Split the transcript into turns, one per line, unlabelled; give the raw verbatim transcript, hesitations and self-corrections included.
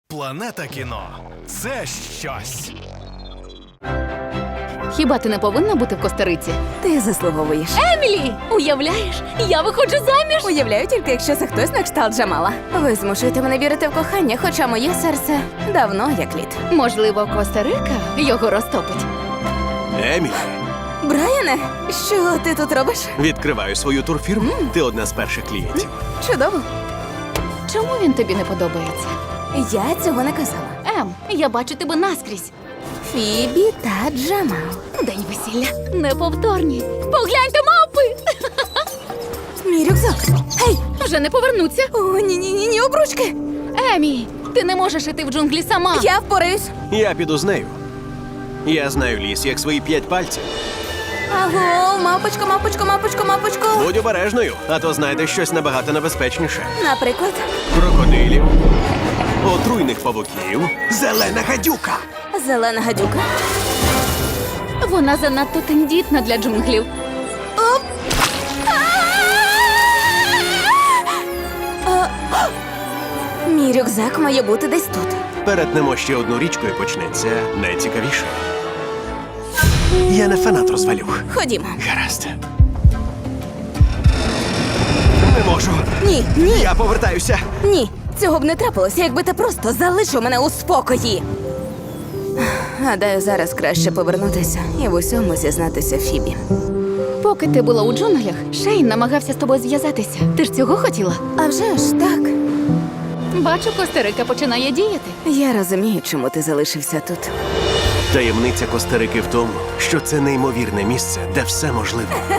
Планета кіно – це щось.
Хіба ти не повинна бути в Коста-Риці?
Ти заслуговуєш.
Емілі! Уявляєш, я виходжу заміж!
Уявляю тільки, якщо це хтось на кшталт Джамала. Ви змушуєте мене вірити в кохання, хоча моє серце давно як лід.
Можливо, Коста-Рика його розтопить.
Емілі,
Брайане, що ти тут робиш?
відкриваю свою турфірму. Ти одна з перших клієнтів.
Чудово.
Чому він тобі не подобається?
Я цього не казала.
Ем, я бачу тебе наскрізь.
Фібі та Джамал.
День весілля. Неповторні. Погляньте, мавпи!
Мій рюкзак. Гей!
Вже не повернуться.
О, ні-ні-ні, обручки.
Емі, ти не можеш іти в джунглі сама.
Я впораюсь.
Я піду з нею. Я знаю ліс, як свої п'ять пальців.
Аго, мапочко, мапочко, мапочко, мапочко.
Будь обережною, а то знайдеш щось набагато небезпечніше.
Наприклад,
Крокодилів, отруйних павуків, зелена гадюка.
зелена гадюка.
Вона занадто тендітна для джунглів.
Оп! А! Мій рюкзак має бути десь тут.
Перетнемо ще одну річку і почнеться найцікавіше. Я не фанат розвалюх.
Ходімо.
Гаразд. Не можу.
Ні, ні,
Я повертаюся.
ні. Цього б не трапилося, якби ти просто залишив мене у спокої. Гадаю, зараз краще повернутися і в усьому зізнатися Фібі.
Поки ти була у джунглях, Шейн намагався з тобою зв'язатися. Ти ж цього хотіла?
А вже ж так.
Бачу, Коста-Рика починає діяти.
Я розумію, чому ти залишився тут.
Таємниця Коста-Рики в тому, що це неймовірне місце, де все можливо.